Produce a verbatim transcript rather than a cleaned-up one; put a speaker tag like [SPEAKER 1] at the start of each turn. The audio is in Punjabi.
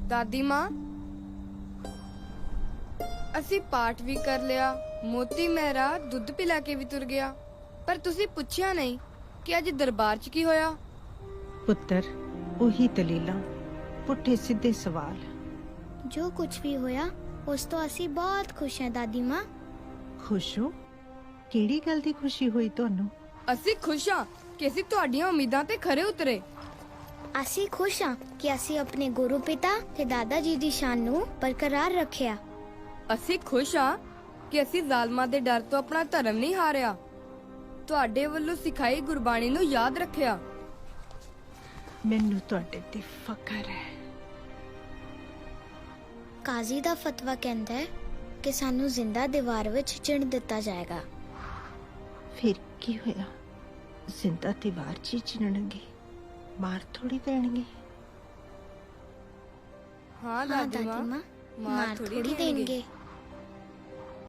[SPEAKER 1] ਦਾਦੀ ਮਾਂ, ਅਸੀਂ ਪਾਠ ਵੀ ਕਰ ਲਿਆ, ਮੋਤੀ ਮਹਿਰਾ ਦੁੱਧ ਪਿਲਾ ਕੇ ਵੀ ਤੁਰ ਗਿਆ, ਪਰ ਤੁਸੀਂ ਪੁੱਛਿਆ ਨਹੀਂ ਕਿ ਅੱਜ ਦਰਬਾਰ 'ਚ ਕੀ ਹੋਇਆ।
[SPEAKER 2] ਪੁੱਤਰ, ਉਹੀ ਦਲੀਲਾਂ, ਪੁੱਠੇ ਸਿੱਧੇ ਸਵਾਲ।
[SPEAKER 3] ਜੋ ਕੁਝ ਵੀ ਹੋਇਆ ਉਸ ਤੋਂ ਅਸੀਂ ਬਹੁਤ ਖੁਸ਼ ਹਾਂ ਦਾਦੀ ਮਾਂ।
[SPEAKER 2] ਖੁਸ਼ ਹੋ? ਕਿਹੜੀ ਗੱਲ ਦੀ ਖੁਸ਼ੀ ਹੋਈ ਤੁਹਾਨੂੰ?
[SPEAKER 1] ਅਸੀਂ ਖੁਸ਼ ਹਾਂ ਕਿ ਅਸੀਂ ਤੁਹਾਡੀਆਂ ਉਮੀਦਾਂ ਤੇ ਖਰੇ ਉਤਰੇ।
[SPEAKER 3] ਅਸੀਂ ਖੁਸ਼ ਹਾਂ ਕਿ ਅਸੀਂ ਆਪਣੇ ਗੁਰੂ ਪਿਤਾ ਤੇ ਦਾਦਾ ਜੀ ਦੀ ਸ਼ਾਨ ਨੂੰ ਬਰਕਰਾਰ ਰੱਖਿਆ।
[SPEAKER 1] ਅਸੀਂ ਖੁਸ਼ ਹਾਂ ਕਿ ਅਸੀਂ ਜ਼ਾਲਮਾਂ ਦੇ ਡਰ ਤੋਂ ਆਪਣਾ ਧਰਮ ਨਹੀਂ ਹਾਰਿਆ, ਤੁਹਾਡੇ ਵੱਲੋਂ ਸਿਖਾਈ ਗੁਰਬਾਣੀ ਨੂੰ ਯਾਦ ਰੱਖਿਆ।
[SPEAKER 2] ਮੈਨੂੰ ਤੁਹਾਡੇ ਤੇ ਫਖਰ ਹੈ।
[SPEAKER 3] ਕਾਜ਼ੀ ਦਾ ਫਤਵਾ ਕਹਿੰਦਾ ਹੈ ਕਿ ਸਾਨੂੰ ਜ਼ਿੰਦਾ ਦੀਵਾਰ ਵਿੱਚ ਚਿਣ ਦਿੱਤਾ ਜਾਏਗਾ।
[SPEAKER 2] ਫਿਰ ਕੀ ਹੋਇਆ? ਜ਼ਿੰਦਾ ਦੀਵਾਰ 'ਚ ਹੀ ਚਿਣਨਗੇ, ਮਾਰ ਥੋੜੀ ਦੇਣਗੇ।
[SPEAKER 1] ਹਾਂ
[SPEAKER 3] ਹਾਂ
[SPEAKER 1] ਦਾਦੀ
[SPEAKER 3] ਦਾਦੀ
[SPEAKER 1] ਮਾਂ,
[SPEAKER 3] ਮਾਂ,
[SPEAKER 1] ਮਾਰ ਥੋੜੀ ਦੇਣਗੇ।
[SPEAKER 3] ਦੇਣਗੇ।